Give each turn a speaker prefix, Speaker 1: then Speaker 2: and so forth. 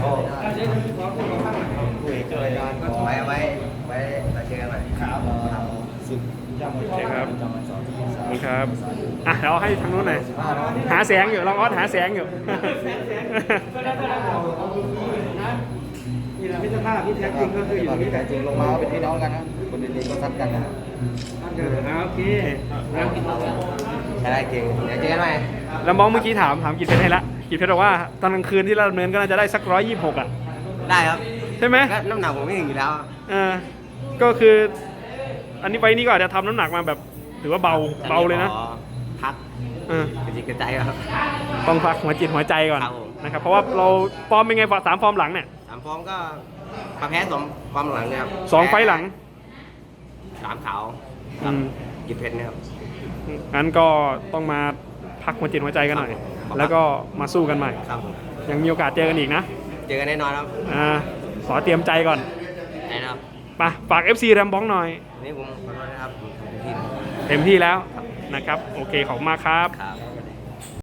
Speaker 1: ไว้เราเจอกันใหม่ครับ
Speaker 2: โอเคครับขอบคุณครับอ่ะเดี๋ยวให้ทางนู้นหน่อยหาแสงอยู่ลองออสหาแสงอยู่
Speaker 3: นี่แหละพิจารณาที่แท้จริงก็คืออยู่นี่แหละ
Speaker 1: จริงลงมาเป็นพี่น้องกันนะคนดีๆก็ซัดกันนะ
Speaker 3: โอเคแล้วกินต่อ
Speaker 1: ใช่ได้เก่งเดี๋ยวเจอกันใหม่
Speaker 2: แล้วมองเมื่อกี้ถามกิจเพชรให้ละกิจเพชรบอกว่าตอนกลางคืนที่เราดำเนินก็น่าจะได้สัก126อ่ะ
Speaker 1: ได้ครับ
Speaker 2: ใช่ไหม
Speaker 1: ก็น้ำหนักผมไม่ถึงอยู่แล้ว
Speaker 2: ก็คืออันนี้ไปนี่ก็อาจจะทำน้ำหนักมาแบบถือว่าเบาเลยนะ
Speaker 1: ขอพัก
Speaker 2: เออก
Speaker 1: ระจิกกระใจครับ
Speaker 2: ต้องพักหัวจิตหัวใจก่อน
Speaker 1: ครับผม
Speaker 2: นะครับเพราะว่าเราฟอร์มเป็นไง3 ฟอร์มหลังเนี่ย
Speaker 1: สามฟอร์มก็มาแพ้สองฟอร์มหลังเนี่ยครับ
Speaker 2: 2 ไฟล์หลัง
Speaker 1: สามขาว
Speaker 2: อืม
Speaker 1: กิจเพชรเนี่ยครับ
Speaker 2: งั้นก็ต้องมาพักหัวจิตหัวใจกันหน่อย
Speaker 1: ครับ
Speaker 2: แล้วก็มาสู้กันใหม่
Speaker 1: ครับผม
Speaker 2: ยังมีโอกาสเจอกันอีกนะ
Speaker 1: เจอกันแน่นอนครับ
Speaker 2: ขอเตรียมใจก่อน
Speaker 1: ได้นะครับ
Speaker 2: ไปฝาก FC แรมบ้องหน่อย
Speaker 1: วันนี้ผมขอโทษนะครับผมทำเต็มที่
Speaker 2: เต็มที่แล้วนะครับ โอเคขอบคุณมากครับ
Speaker 1: ครับ